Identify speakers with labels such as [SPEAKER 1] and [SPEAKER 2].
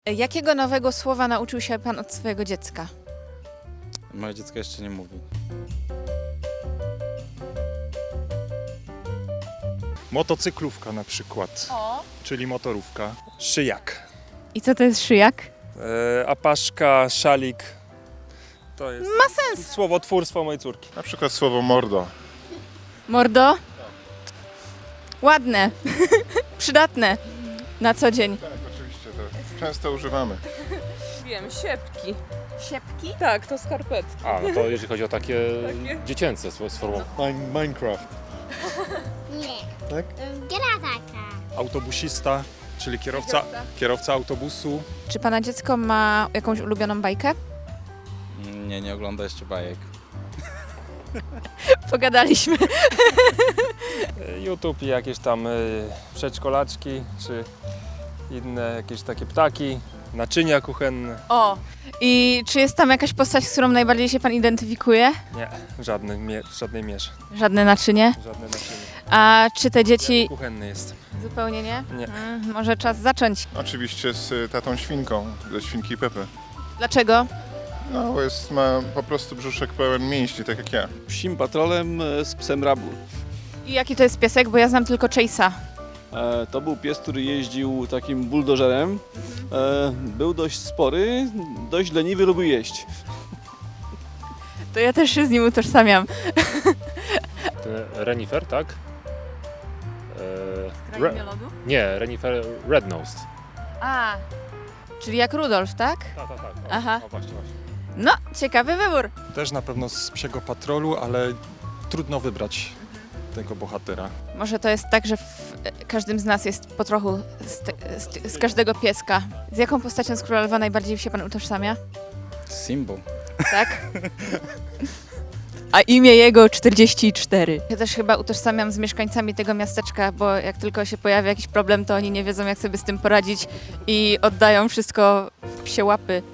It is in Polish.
[SPEAKER 1] Jakiego nowego słowa nauczył się pan od swojego dziecka?
[SPEAKER 2] Moje dziecko jeszcze nie mówi.
[SPEAKER 3] Motocyklówka na przykład, czyli motorówka. Szyjak.
[SPEAKER 1] I co to jest szyjak?
[SPEAKER 3] Apaszka, szalik. To jest
[SPEAKER 1] Ma sens.
[SPEAKER 3] słowotwórstwo mojej córki.
[SPEAKER 4] Na przykład słowo mordo.
[SPEAKER 1] Mordo? Ładne. Przydatne. Na co dzień.
[SPEAKER 4] Tak, oczywiście, to często używamy.
[SPEAKER 5] Wiem, siepki.
[SPEAKER 1] Siepki?
[SPEAKER 5] Tak, to skarpetki.
[SPEAKER 6] A, no to jeżeli chodzi o takie dziecięce sformułowanie.
[SPEAKER 4] Minecraft.
[SPEAKER 7] Nie.
[SPEAKER 4] Tak?
[SPEAKER 7] To jest gra taka.
[SPEAKER 3] Autobusista, czyli kierowca autobusu.
[SPEAKER 1] Czy pana dziecko ma jakąś ulubioną bajkę?
[SPEAKER 2] Nie, nie ogląda jeszcze bajek.
[SPEAKER 1] Pogadaliśmy.
[SPEAKER 3] YouTube i jakieś tam przedszkolaczki, czy inne jakieś takie ptaki, naczynia kuchenne.
[SPEAKER 1] O! I czy jest tam jakaś postać, z którą najbardziej się pan identyfikuje?
[SPEAKER 3] Nie, w żadnej mierze,
[SPEAKER 1] Żadne naczynie.
[SPEAKER 3] żadne naczynie.
[SPEAKER 1] A czy te dzieci...
[SPEAKER 3] Kuchenny jestem.
[SPEAKER 1] Zupełnie nie?
[SPEAKER 3] Nie.
[SPEAKER 1] Może czas zacząć.
[SPEAKER 4] Oczywiście z tatą świnką, ze świnki Pepy.
[SPEAKER 1] Dlaczego?
[SPEAKER 4] No, bo ma po prostu brzuszek pełen mięśni, tak jak ja.
[SPEAKER 8] Psim patrolem z psem Rabu.
[SPEAKER 1] I jaki to jest piesek? Bo ja znam tylko Chase'a.
[SPEAKER 8] To był pies, który jeździł takim buldożerem. Był dość spory, dość leniwy, lubił jeść.
[SPEAKER 1] To ja też się z nim utożsamiam.
[SPEAKER 6] Renifer, tak? Nie, Renifer Red-Nosed.
[SPEAKER 1] A, czyli jak Rudolf, tak?
[SPEAKER 6] Tak.
[SPEAKER 1] Aha.
[SPEAKER 6] O, właśnie.
[SPEAKER 1] No, ciekawy wybór.
[SPEAKER 3] Też na pewno z psiego patrolu, ale trudno wybrać tego bohatera.
[SPEAKER 1] Może to jest tak, że w każdym z nas jest po trochu z każdego pieska. Z jaką postacią z Króla Lwa najbardziej się pan utożsamia?
[SPEAKER 2] Symbol.
[SPEAKER 1] Tak? A imię jego 44. Ja też chyba utożsamiam z mieszkańcami tego miasteczka, bo jak tylko się pojawia jakiś problem, to oni nie wiedzą, jak sobie z tym poradzić i oddają wszystko w psie łapy.